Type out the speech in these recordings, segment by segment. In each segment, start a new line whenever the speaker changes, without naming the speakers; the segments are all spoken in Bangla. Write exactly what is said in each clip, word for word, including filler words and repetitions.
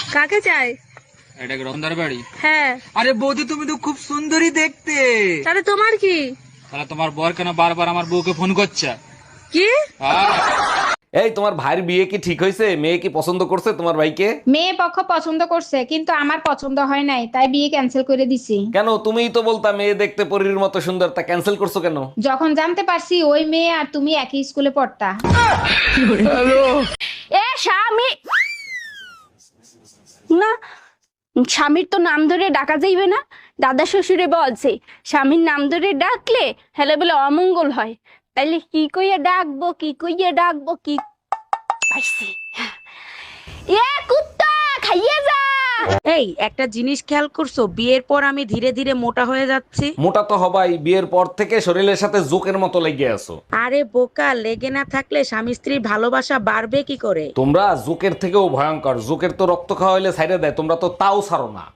কাকে চাই?
এটা কি রতনদার বাড়ি?
হ্যাঁ।
আরে বৌদি তুমি তো খুব সুন্দরী দেখতে।
তাহলে তোমার কি?
তাহলে তোমার বর কেন বারবার আমার বউকে ফোন করছে?
কি?
হ্যাঁ।
এই তোমার ভাইয়ের বিয়ে কি ঠিক হয়েছে? মেয়ে কি পছন্দ করছে তোমার ভাইকে?
মেয়ে পক্ষ পছন্দ করছে, কিন্তু আমার পছন্দ হয় নাই, তাই বিয়ে ক্যান্সেল করে দিছি।
কেন? তুমিই তো বলতা মেয়ে দেখতে পরীর মতো সুন্দর, তা ক্যান্সেল করছো কেন?
যখন জানতে পারছি ওই মেয়ে আর তুমি একই স্কুলে পড়তা।
এ স্বামী না, স্বামীর তো নাম ধরে ডাকা যাইবে না। দাদা শ্বশুরে বলছে স্বামীর নাম ধরে ডাকলে হেলে বলে অমঙ্গল হয়। তাইলে কি কইয়া ডাকবো, কি কইয়া ডাকবো, কি পাইছি। এ কুত্তা খাইয়ে যা।
এই একটা জিনিস খেয়াল করছো, বিয়ের পর আমি ধীরে ধীরে মোটা হয়ে যাচ্ছি।
মোটা তো হবাই, বিয়ের পর থেকে শরীরের সাথে জোকের মতো লেগে আছো।
আরে বোকা, লেগে না থাকলে স্বামী স্ত্রীর ভালোবাসা বাড়বে কি করে?
তোমরা জোকের থেকেও ভয়ঙ্কর। জোকের তো রক্ত খাওয়া হইলে ছাইড়ে দেয়, তোমরা তো তাও ছাড়ো না।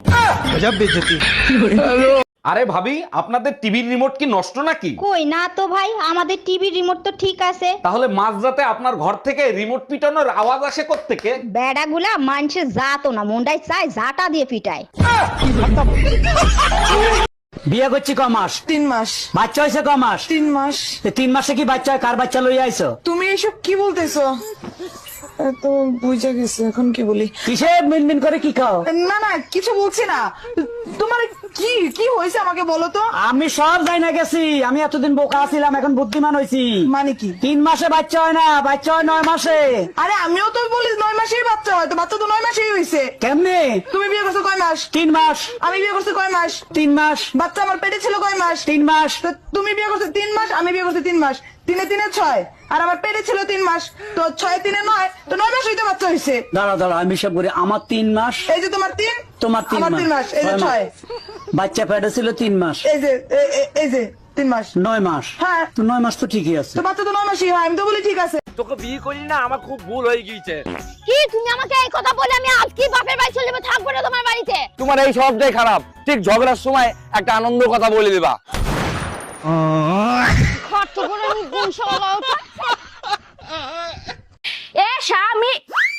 আরে ভাবি, আপনাদের টিভির রিমোট কি নষ্ট নাকি?
কই না তো ভাই, আমাদের টিভি রিমোট তো ঠিক আছে।
তাহলে মাঝরাতে আপনার ঘর থেকে রিমোট পিটানোর আওয়াজ আসে কোত্থেকে?
বেড়াগুলা মানুষের জাতো না, মন্ডাই চাই জাটা দিয়ে পিটায়।
বিয়ে করছি ক মাস?
তিন মাস।
বাচ্চা হয়েছে ক মাস?
তিন মাস।
তো তিন মাসে কি বাচ্চা হয়? কার বাচ্চা লইয়া আইছো?
তুমি এসব কি বলতেছো? তো বুঝা গেছে, এখন কি বলি?
কিসে মিনমিন করে কি খাও?
না না, কিছু বলছি না। তোমার কি কি হয়েছে আমাকে বলো তো।
আমি সব যাই না গেছি। আমি এতদিন বোকা ছিলাম, এখন বুদ্ধিমান হয়েছি।
মানে কি?
তিন মাসে বাচ্চা হয় না, বাচ্চা হয় নয় মাসে।
আরে আমিও তো বলি নয় মাসেই বাচ্চা হয়, তো বাচ্চা তো নয় মাসেই হয়েছে।
কেমনে?
তুমি বিয়ে করছো কয় মাস?
তিন মাস।
আমি বিয়ে করছি কয় মাস?
তিন মাস।
বাচ্চা আমার পেটে ছিল কয় মাস?
তিন মাস।
তো তুমি বিয়ে করছো তিন মাস, আমি বিয়ে করছি তিন মাস। তিনে তিনে ছয়, আর আমার পেটে ছিল তিন মাস। তো ছয় তিনে নয়, তো নয় মাস হইতে বাচ্চা হয়েছে।
দাঁড়া দাঁড়া, আমি সব করি। আমার তিন মাস,
এই যে তোমার তিন,
তোমার তিন
আমার তিন মাস, এই যে
ছয় মাস।
ছয়।
বাচ্চা পেটে ছিল তিন মাস,
এই যে এ- এ- এই যে তিন মাস।
নয় মাস।
হ্যাঁ।
তো নয় মাস তো ঠিকই আছে।
তো বাচ্চা তো নয় মাসই হয়, আমি তো বলি ঠিক আছে।
তোকে বিয়ে করি না, আমার খুব ভুল হয়ে গিয়েছে।
কি তুমি আমাকে এই কথা বলে আমি আজকে বাপের বাড়ি চলে যাবো, থাকবো না তোমার বাড়িতে।
তোমার এই সবটাই খারাপ। ঠিক ঝগড়ার সময় একটা আনন্দ কথা বলে দিবা।
খরচ করে আমি গুণ সমালাও। এ স্বামী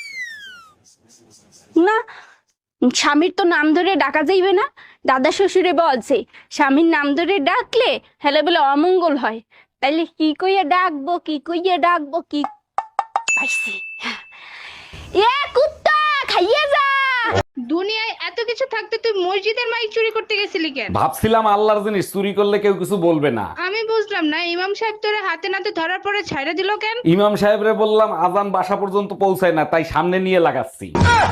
না, স্বামীর তো নাম ধরে ডাকা যাইবে না। দাদা শ্বশুরে বলছে স্বামীর নাম ধরে ডাকলে হেলে বলে অমঙ্গল হয়। তাইলে কি কইয়া ডাকবো, কি কইয়া ডাকবো, কি পাইছি। এ কুত্তা খাইয়ে যা।
দুনিয়ায় এত কিছু থাকতে তুই মসজিদের মাইক চুরি করতে গেছিলি কেন?
ভাবছিলাম আল্লাহর জিনিস চুরি করলে কেউ কিছু বলবে না।
আমি বুঝলাম না, ইমাম সাহেব তোরে হাতে নাতে ধরার পরে ছাইড়া দিল কেন?
ইমাম সাহেবরে বললাম আজান বাসা পর্যন্ত পৌঁছায় না, তাই সামনে নিয়ে লাগাচ্ছি।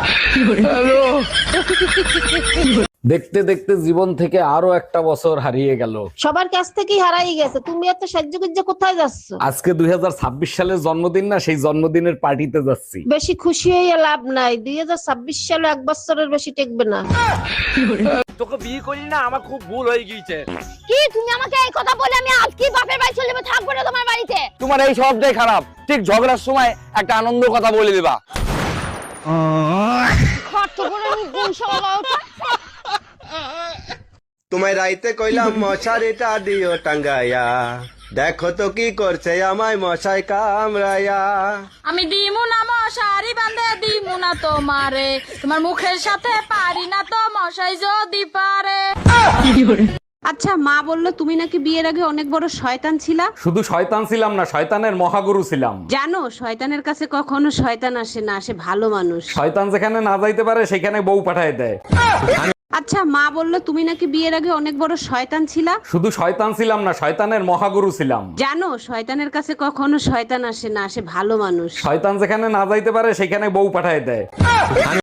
দেখতে দেখতে জীবন থেকে আরো একটা বছর হারিয়ে গেল।
সবার কাছ থেকেই হারাই গেছে, তুমি এত সাহায্য কোথায় যাচ্ছ?
আজকে দুই হাজার ছাব্বিশ সালের জন্মদিন না, সেই জন্মদিনের পার্টিতে যাচ্ছি।
বেশি খুশি হয়ে লাভ নাই, দুই হাজার ছাব্বিশ সালে এক বছরের বেশি টেকবে না।
তোকে বিয়ে করি না, আমার খুব ভুল হয়ে গিয়েছে।
কি তুমি আমাকে এই কথা বলে আমি আজকে বাপের বাড়ি চলে যাবো, থাকবো না তোমার বাড়িতে।
তোমার এই সবটাই খারাপ। ঠিক ঝগড়ার সময় একটা আনন্দ কথা বলে দিবা।
খরচ করে আমি গুণ সমালাও।
তোমায় রাইতে কইলাম মশারিটা দিও টাঙ্গাইয়া, দেখো তো কি করছে আমায় মশাই কামড়াইয়া।
আমি দিমু না মশারি বান্ধে দিমু না তোমারে, তোমার মুখের সাথে পারি না তো মশাই যদি পারে।
আচ্ছা, মা বললো তুমি নাকি বিয়ের আগে অনেক বড় শয়তান ছিলা।
শুধু শয়তান ছিলাম না, শয়তানের মহাগুরু ছিলাম।
জানো, শয়তানের কাছে কখনো শয়তান আসে না, আসে ভালো মানুষ।
শয়তান যেখানে না যাইতে পারে সেখানে বউ পাঠায় দেয়।
আচ্ছা, মা বললো তুমি নাকি বিয়ের আগে অনেক বড় শয়তান ছিলা।
শুধু শয়তান ছিলাম না, শয়তানের মহাগুরু ছিলাম।
জানো, শয়তানের কাছে কখনো শয়তান আসে না, আসে ভালো মানুষ।
শয়তান যেখানে না যাইতে পারে সেখানে বউ পাঠায় দেয়।